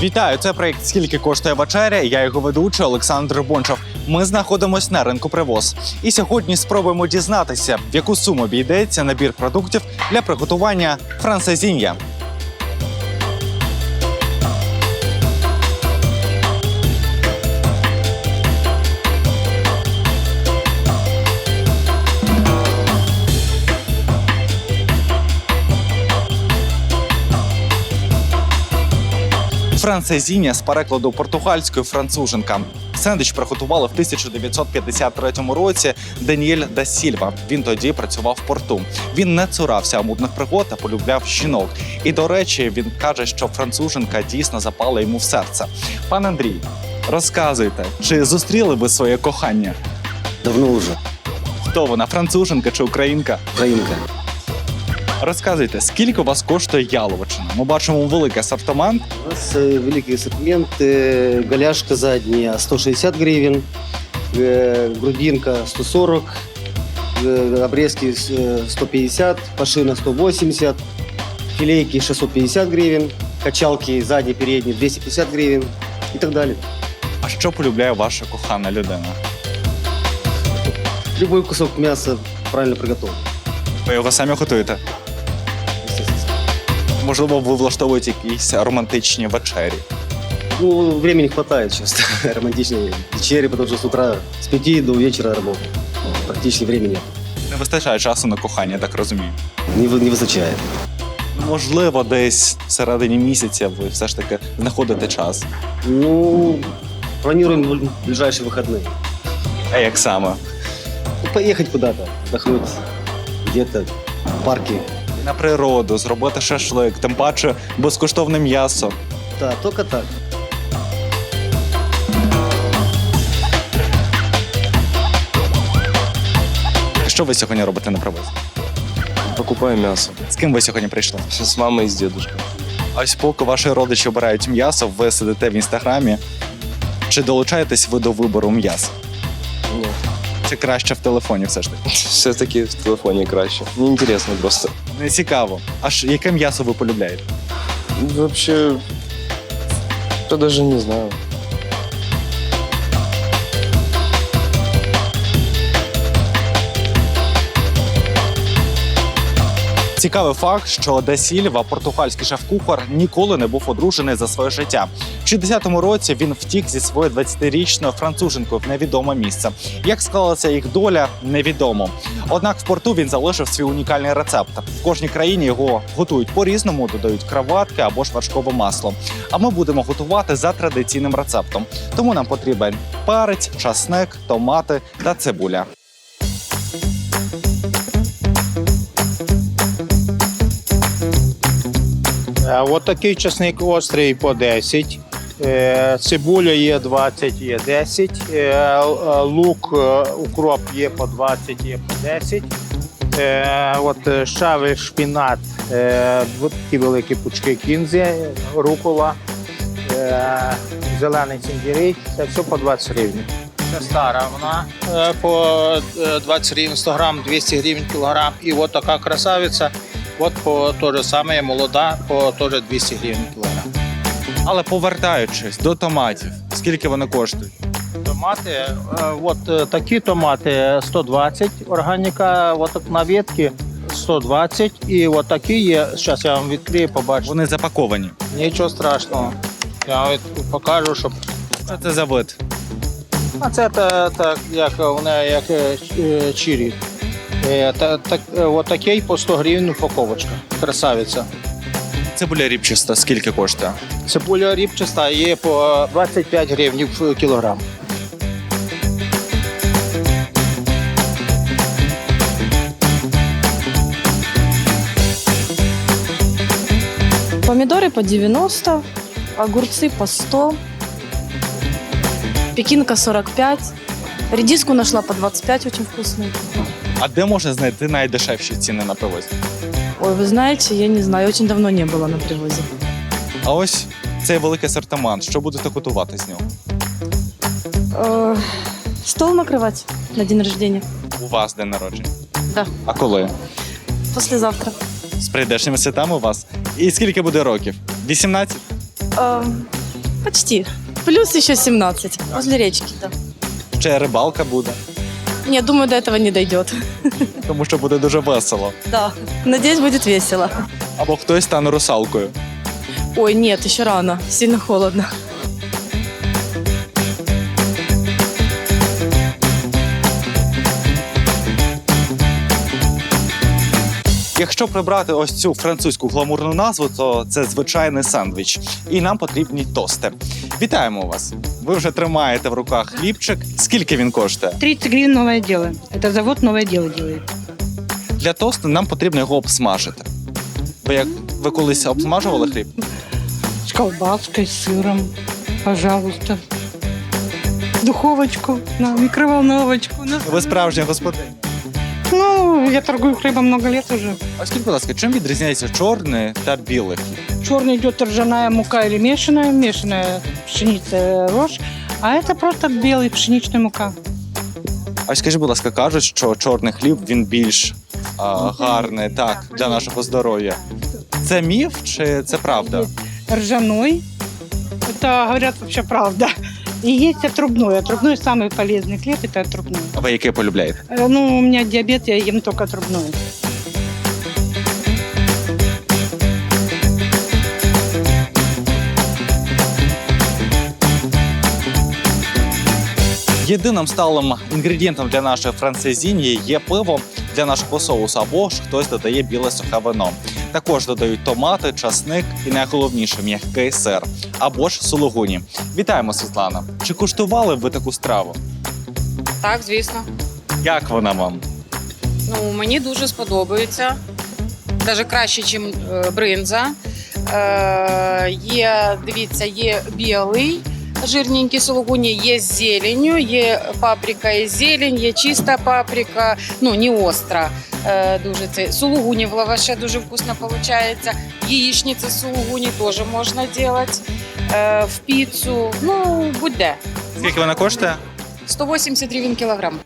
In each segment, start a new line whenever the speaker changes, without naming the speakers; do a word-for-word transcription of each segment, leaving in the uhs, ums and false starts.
Вітаю! Це проєкт «Скільки коштує вечеря?» Я його ведучий Олександр Бончав. Ми знаходимося на ринку «Привоз». І сьогодні спробуємо дізнатися, в яку суму обійдеться набір продуктів для приготування францезінья. Францезінья з перекладу португальської француженка. Сендвіч приготували в тисяча дев'ятсот п'ятдесят третьому році Даніель да Сільва. Він тоді працював в порту. Він не цурався амурних пригод та полюбляв жінок. І, до речі, він каже, що француженка дійсно запала йому в серце. Пан Андрій, розказуйте, чи зустріли ви своє кохання?
Давно уже.
Хто вона, француженка чи українка?
Украинка.
Розказуйте, скільки у вас коштує яловичина? Ми бачимо великий асортимент.
У нас э, великий ассортимент. Э, голяшка задняя сто шестьдесят гривен, э, грудинка сто сорок, э, обрезки э, сто пятьдесят, пашина сто восемьдесят, филейки шестьсот пятьдесят гривен, качалки задние, передние двести пятьдесят гривен и так далее.
А що полюбляє ваша кохана людина?
Любой кусок мяса правильно приготовлен.
Ви його самі готуєте? Можливо, ви влаштовуєте якісь романтичні вечері.
Ну, времени хватает часто романтичной вечери, потому что с утра с пяти до вечера работаю. Практически времени нет.
Не вистачає часу на кохання, так розумію.
Не, вы- не высочает.
Можливо, десь всередині місяця ви все ж таки знаходите час.
Ну, планируем в ближайшие выходные.
А як саме?
Ну, поехать куда-то, отдохнуть где-то в парке.
На природу, зробити шашлик, тим паче безкоштовне м'ясо.
Да, только так.
Що ви сьогодні робите на привозі?
Покупаю мясо.
З ким ви сьогодні прийшли?
С мамой и с дедушкой.
Ось поки ваші родичі обирають м'ясо, ви сидите в інстаграмі. Чи долучаєтесь ви до вибору м'яса?
Нет.
Чи краще в телефоні все ж таки?
Все-таки в телефоне краще. Неинтересно просто.
Не цікаво. Аж яке м'ясо ви полюбляєте?
Вообще, я даже не знаю.
Цікавий факт, що Да Сільва, португальський шеф-кухар, ніколи не був одружений за своє життя. В шістдесятому році він втік зі своєю двадцятирічною француженкою в невідоме місце. Як склалася їх доля, невідомо. Однак в порту він залишив свій унікальний рецепт. В кожній країні його готують по-різному, додають краватки або ж вершкове масло. А ми будемо готувати за традиційним рецептом. Тому нам потрібен перець, часник, томати та цибуля.
Е, От такий часник острий по десять, е, цибуля є двадцять, є десять, е, л- лук, е, укроп є по двадцять, є по десять. Е, От е, щавель, шпінат, е, от такі великі пучки кінзи, рукола, е, зелений цимбірій, це все по двадцять гривень. Це стара, вона е, по е, двадцять гривень сто грам, двісті гривень кілограм. І от така красавиця. От по то же саме молода, по теж двісті гривень кілограм.
Але повертаючись до томатів, скільки вони коштують?
Томати, е, от е, такі томати сто двадцять, органіка, от так на ветки сто двадцять, і от такі є, зараз я вам відкрию, побачите.
Вони запаковані.
Нічого страшного. Я вам від- покажу, щоб.
Що це за вид?
А це та, так, як вони як е, ч- чирі. Е, та, так, е, от такий по сто гривень упаковочка. Красавиця.
Цибуля ріпчаста скільки коштує?
Цибуля ріпчаста є по двадцять п'ять гривень в кілограм.
Помидоры по девяносто, огурцы по сто, пекинка сорок пять, редиску нашла по двадцать пять, очень вкусную.
А де можна знайти найдешевші ціни на привозі?
Ой, вы знаете, я не знаю, очень давно не было на привозе.
А ось цей великий асортимент. Що будете готувати з нього?
Э, Стол накрывать на день рождения?
У вас день народження.
Да,
А коли?
послезавтра.
З прийдешніми святами у вас. І скільки буде років? вісімнадцять?
Э, Почти. Плюс еще семнадцать. Возле речки, да.
Ще рибалка буде,
Нет, думаю, до этого не дойдет.
тому що буде дуже весело.
Да. Надеюсь, будет весело.
Або хтось стане русалкою.
Ой, нет, еще рано. Сильно холодно.
Якщо прибрати ось цю французьку гламурну назву, то це звичайний сендвіч. І нам потрібні тости. Вітаємо вас! Ви вже тримаєте в руках хлібчик. Скільки він коштує?
тридцать гривен новое дело. Это завод новое дело делает.
Для тосту нам потрібно його обсмажити. Ви як ви колись обсмажували хліб?
С колбаской, с сыром. Пожалуйста. Духовочку, на микроволновочку. На...
Ви справжня господиня.
Ну, я торгую хлебом много лет уже.
А скажіть, будь ласка, чим відрізняється чорний та білий хліб?
Черный идет ржаная мука или мешаная, мешаная пшеница, рожь. А это просто белый пшеничная мука.
А скажіть, будь ласка, кажуть, що чорний хліб він більш а, гарний так для нашого здоров'я. Це міф чи це правда?
Ржаной. Это, говорят, вообще правда. И есть отрубной. Отрубной самый полезный хлеб, это отрубной.
А ви який полюбляєте?
Э, Ну, у меня диабет, я ем только отрубной.
Єдиним сталим інгредієнтом для нашої францезінії є пиво для нашого соусу, або ж хтось додає біле сухе вино. Також додають томати, часник і найголовніше м'який сир, або ж сулугуні. Вітаємо, Світлана! Чи куштували ви таку страву?
Так, звісно.
Як вона вам?
Ну, мені дуже сподобається. Навіть краще, ніж бринза. Е, є, дивіться, є білий, жирненький сулугуні, є з зеленню, є паприка і зелень, є чиста паприка, ну, не остра. Е, дуже це. Сулугуні в лаваше дуже вкусно виходить. Яєчниці з сулугуні теж можна робити. Е, в піцу, ну, будь-де.
Скільки вона коштує?
сто вісімдесят гривень кілограм.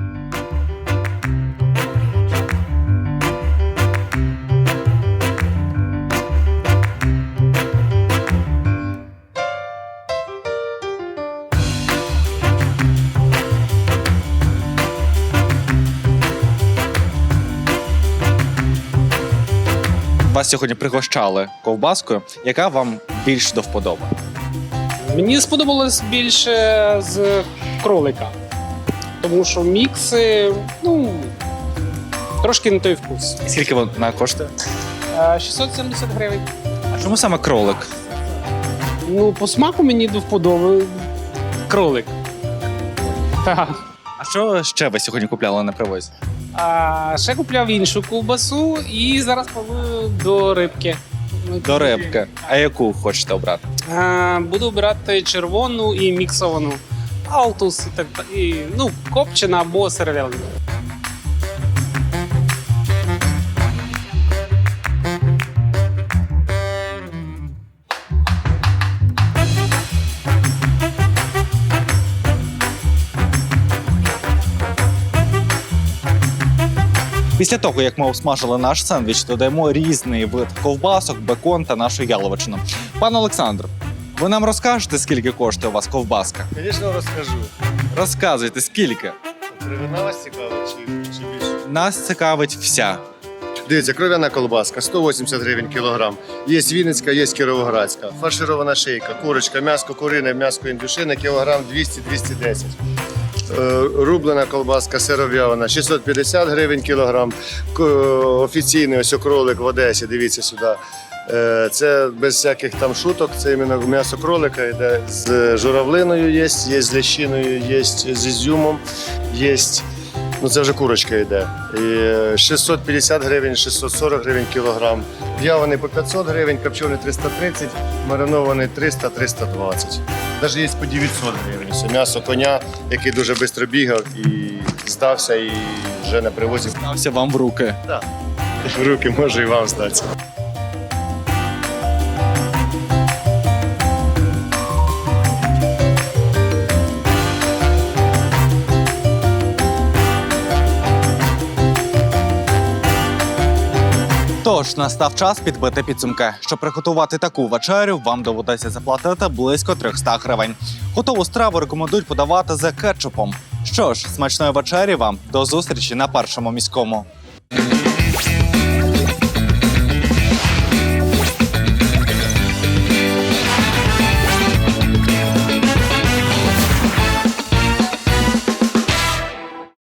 Вас сьогодні пригощали ковбаскою, яка вам більш до вподоби?
Мені сподобалось більше з кролика, тому що мікси, ну, трошки не той вкус.
І скільки вона коштує?
Е, шістсот сімдесят гривень.
А чому саме кролик?
Ну, по смаку мені до вподоби кролик. Так.
А що ще ви сьогодні купляли на привозі?
А ще купляв іншу ковбасу і зараз планую до рибки.
До рибки. А яку хочете обрати?
Е, буду брати червону і міксовану. Алтус і так і, ну, копчена або сервелина.
Після того, як ми обсмажили наш сендвіч, додаємо різний вид ковбасок, бекон та нашу яловичину. Пане Олександр, ви нам розкажете, скільки коштує у вас ковбаска?
Звісно, розкажу.
Розказуйте, скільки?
Кров'яна вас цікава чи, чи більше?
Нас цікавить вся.
Дивіться, кров'яна колбаска, сто вісімдесят гривень кілограм. Є Вінницька, є Кіровоградська. Фарширована шийка, курочка, м'ясо курине, м'ясо індюшине, кілограм двісті - двісті десять. Е, Рублена колбаска сиров'явана, шістсот п'ятдесят гривень кілограм. К- Офіційний ось кролик в Одесі, дивіться сюди. Е, Це без всяких там шуток, це іменно м'ясо кролика, йде з журавлиною є, є з лещиною, є з ізюмом, є. Ну це вже курочка йде. І шістсот п'ятдесят гривень, шістсот сорок гривень кілограм. В'ялений по п'ятсот гривень, копчений триста тридцять, маринований триста - триста двадцять. Навіть є по дев'ятсот гривень. Це м'ясо коня, який дуже швидко бігав і здався, і вже на привозі.
Стався вам в руки.
В руки може і вам здатися.
Тож настав час підбити підсумки. Щоб приготувати таку вечерю, вам доведеться заплатити близько триста гривень. Готову страву рекомендують подавати з кетчупом. Що ж, смачної вечері вам, до зустрічі на Першому міському.